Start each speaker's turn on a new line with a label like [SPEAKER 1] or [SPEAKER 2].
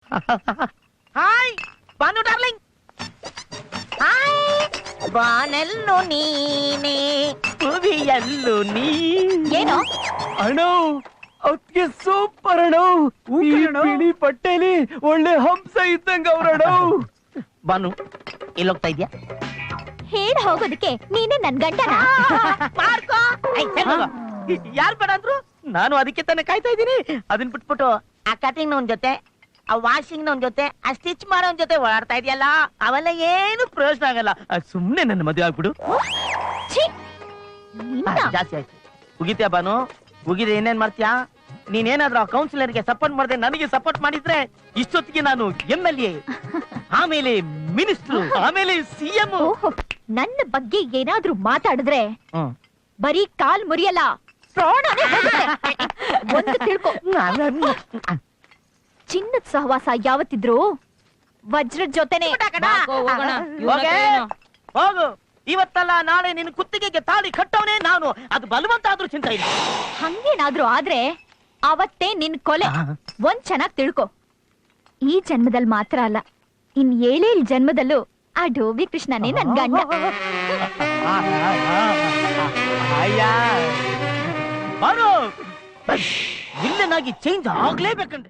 [SPEAKER 1] Hi Bhanu darling. Hi ಬಾನೆಲ್ಲು ನೀನೆ ಭುವಿಯಲ್ಲು ನೀ.
[SPEAKER 2] ಏನು
[SPEAKER 3] ಅಣ್ಣ ಅದಕ್ಕೆ ಸೂಪರ್ ಅಣ್ಣ. ಈ ಬಿಳಿ ಬಟ್ಟೆಲಿ ಒಳ್ಳೆ ಹಂಸ ಇದ್ದಂಗ ಅವ್ರಣ್ಣ.
[SPEAKER 1] ಬಾನು ಎಲ್ಲೋಗ್ತಾ ಇದ್ಯಾ?
[SPEAKER 2] ಹೇಳಿ ಹೋಗೋದಕ್ಕೆ ನೀನೇ ನನ್ ಗಂಡನ?
[SPEAKER 1] ಯಾರು ಬೇಡ ಅಂದ್ರು? ನಾನು ಅದಕ್ಕೆ ತಾನೇ ಕಾಯ್ತಾ ಇದ್ದೀನಿ. ಅದನ್ನ ಬಿಟ್ಬಿಟ್ಟು ಆ ಕಟಿಂಗ್ ನವನ್ ಜೊತೆ, ಆ ವಾಷಿಂಗ್ ನವನ್ ಜೊತೆ, ಆ ಸ್ಟಿಚ್ ಮಾಡೋನ್ ಜೊತೆ ಓಡಾಡ್ತಾ ಇದೆಯಲ್ಲ, ಅವೆಲ್ಲ ಏನು ಪ್ರಯೋಜನ ಆಗಲ್ಲ. ಸುಮ್ನೆ ನನ್ನ ಮದುವೆ ಆಗ್ಬಿಡು.
[SPEAKER 2] ಛೀ, ನಿನ್ನ.
[SPEAKER 1] ಜಾಸ್ತಿ ಆಯ್ತು. ಉಗಿತ್ಯಾ ಬಾನು? ಉಗಿದೆ ಇನ್ನೇನ್ ಮಾಡ್ತೀಯಾ? ನೀನೇನಾದ್ರೂ ಆ ಕೌನ್ಸಿಲರ್ಗೆ ಸಪೋರ್ಟ್ ಮಾಡದೆ ನನಗೆ ಸಪೋರ್ಟ್ ಮಾಡಿದ್ರೆ ಇಷ್ಟೊತ್ತಿಗೆ ನಾನು MLA, ಆಮೇಲೆ ಮಿನಿಸ್ಟರ್, ಆಮೇಲೆ CM.
[SPEAKER 2] ಓಹೋ, ನನ್ನ ಬಗ್ಗೆ ಏನಾದ್ರೂ ಮಾತಾಡಿದ್ರೆ ಬರೀ ಕಾಲ್ ಮುರಿಯಲ್ಲ, ಪ್ರಾಣನೇ ಹೋಗುತ್ತೆ. ಒಂದು ತಿಳ್ಕೊ, ಚಿನ್ನದ ಸಹವಾಸ ಯಾವತ್ತಿದ್ರು ವಜ್ರದ ಜೊತೆನೆ.
[SPEAKER 1] ಹೋಗು, ಇವತ್ತಲ್ಲ ನಾಳೆ ನಿನ್ನ ಕುತ್ತಿಗೆಗೆ ತಾಳಿ ಕಟ್ಟವನೇ ನಾನು. ಅದು ಬಲವಂತ ಆದ್ರೂ ಚಿಂತೆ ಇಲ್ಲ.
[SPEAKER 2] ಹಂಗೇನಾದ್ರೂ ಆದ್ರೆ ಅವತ್ತೇ ನಿನ್ ಕೊಲೆ. ಒಂದ್ ಚೆನ್ನಾಗ್ ತಿಳ್ಕೊ, ಈ ಜನ್ಮದಲ್ಲಿ ಮಾತ್ರ ಅಲ್ಲ, ಇನ್ 7 ಜನ್ಮದಲ್ಲೂ ಆ ಡೋಬಿ ಕೃಷ್ಣನೇ ನನ್ ಗಂಡ.
[SPEAKER 1] ಬಾನು, ವಿಲ್ಲನಾಗಿ ಚೇಂಜ್ ಆಗ್ಲೇಬೇಕಂದ್ರೆ